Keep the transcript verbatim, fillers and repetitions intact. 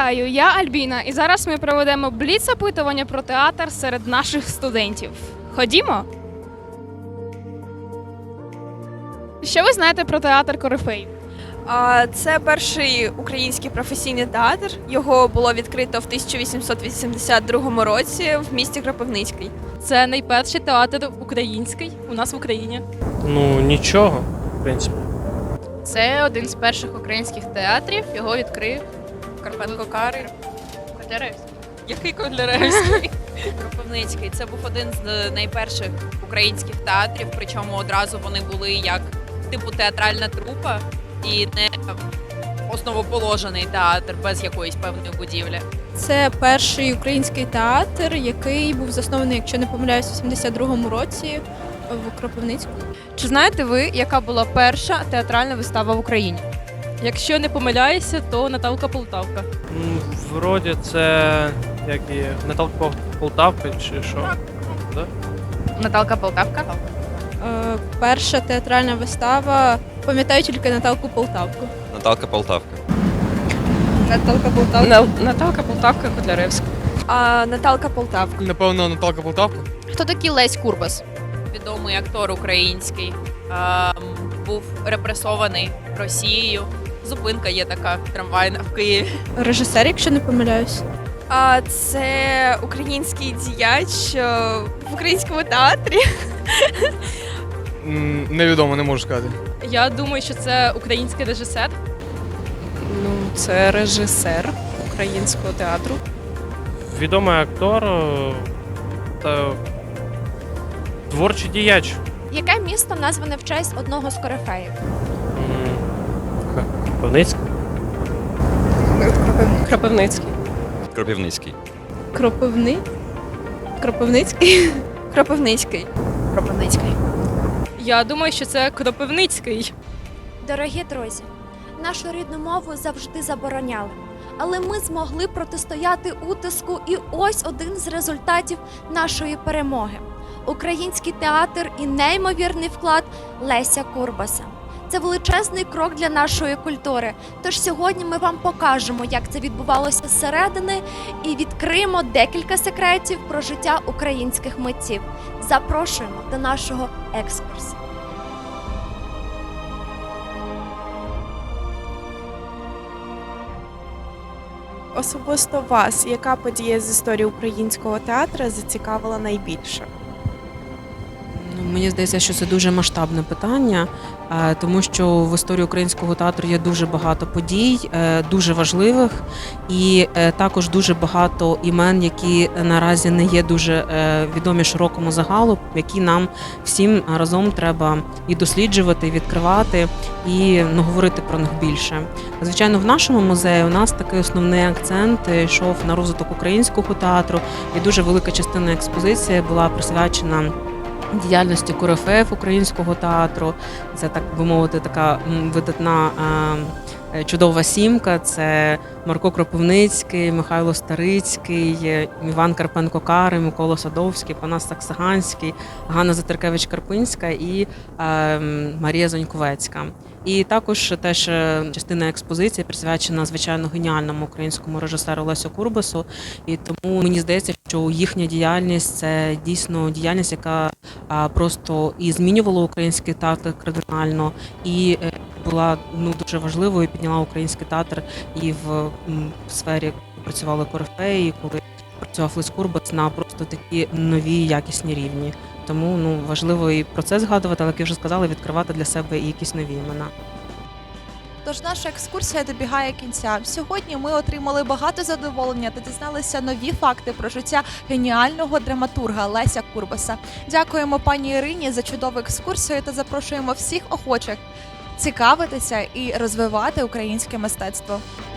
Вітаю, я Альбіна, і зараз ми проведемо бліц-опитування про театр серед наших студентів. Ходімо! Що ви знаєте про театр Корифей? А, Це перший український професійний театр. Його було відкрито в тисяча вісімсот вісімдесят другому році в місті Кропивницький. Це найперший театр український у нас в Україні. Ну, нічого, в принципі. Це один з перших українських театрів. Його відкрив Карпенко Карий. Котляревський. Який Котляревський? Кропивницький. Це був один з найперших українських театрів, причому одразу вони були як типу театральна трупа і не основоположений театр без якоїсь певної будівлі. Це перший український театр, який був заснований, якщо не помиляюсь, у сімдесят другому році в Кропивницькому. Чи знаєте ви, яка була перша театральна вистава в Україні? Якщо не помиляюся, то Наталка Полтавка. М, Вроді це як і Наталка Пол- Полтавка чи що? Да? Наталка Полтавка? Е, перша театральна вистава, пам'ятаю тільки Наталку Полтавку. Наталка Полтавка. Наталка Полтавка. Наталка Полтавка, Котляревська. А Наталка Полтавка. Напевно, Наталка Полтавка. Хто такий Лесь Курбас? Відомий актор український. А, був репресований Росією. Зупинка є така трамвайна в Києві. Режисер, якщо не помиляюсь. А це український діяч е, в українському театрі. М, Невідомо, не можу сказати. Я думаю, що це український режисер. Ну, це режисер українського театру. Відомий актор е, та творчий діяч. Яке місто назване в честь одного з корифеїв? М, Ха, Кропивницький. Кропивницький. Кропивницький. Кропивни? Кропивницький? Кропивницький. Кропивницький. Я думаю, що це Кропивницький. Дорогі друзі, нашу рідну мову завжди забороняли. Але ми змогли протистояти утиску, і ось один з результатів нашої перемоги. Український театр і неймовірний вклад Леся Курбаса. Це величезний крок для нашої культури. Тож сьогодні ми вам покажемо, як це відбувалося зсередини, і відкриємо декілька секретів про життя українських митців. Запрошуємо до нашого екскурсу. Особисто вас, яка подія з історії українського театру зацікавила найбільше? Ну, мені здається, що це дуже масштабне питання, е, тому що в історії українського театру є дуже багато подій, е, дуже важливих, і е, також дуже багато імен, які наразі не є дуже е, відомі широкому загалу, які нам всім разом треба і досліджувати, і відкривати, і ну, говорити про них більше. Звичайно, в нашому музеї у нас такий основний акцент йшов на розвиток українського театру, і дуже велика частина експозиції була присвячена діяльності корифеїв українського театру. Це, так би мовити, така м, видатна е, чудова сімка. Це Марко Кропивницький, Михайло Старицький, е, Іван Карпенко-Карий, Микола Садовський, Панас Саксаганський, Ганна Затеркевич-Карпинська і е, Марія Заньковецька. І також теж е, частина експозиції присвячена, звичайно, геніальному українському режисеру Лесю Курбасу. І тому мені здається, що їхня діяльність – це дійсно діяльність, яка а, просто і змінювала український театр кардинально, і е, була ну, дуже важливою, і підняла український театр і в, м, в сфері працювали корифеї, коли працював Лесь Курбас на просто такі нові якісні рівні. Тому ну, важливо і про це згадувати, але, як я вже сказала, відкривати для себе і якісь нові імена. Тож наша екскурсія добігає кінця. Сьогодні ми отримали багато задоволення та дізналися нові факти про життя геніального драматурга Леся Курбаса. Дякуємо пані Ірині за чудову екскурсію та запрошуємо всіх охочих цікавитися і розвивати українське мистецтво.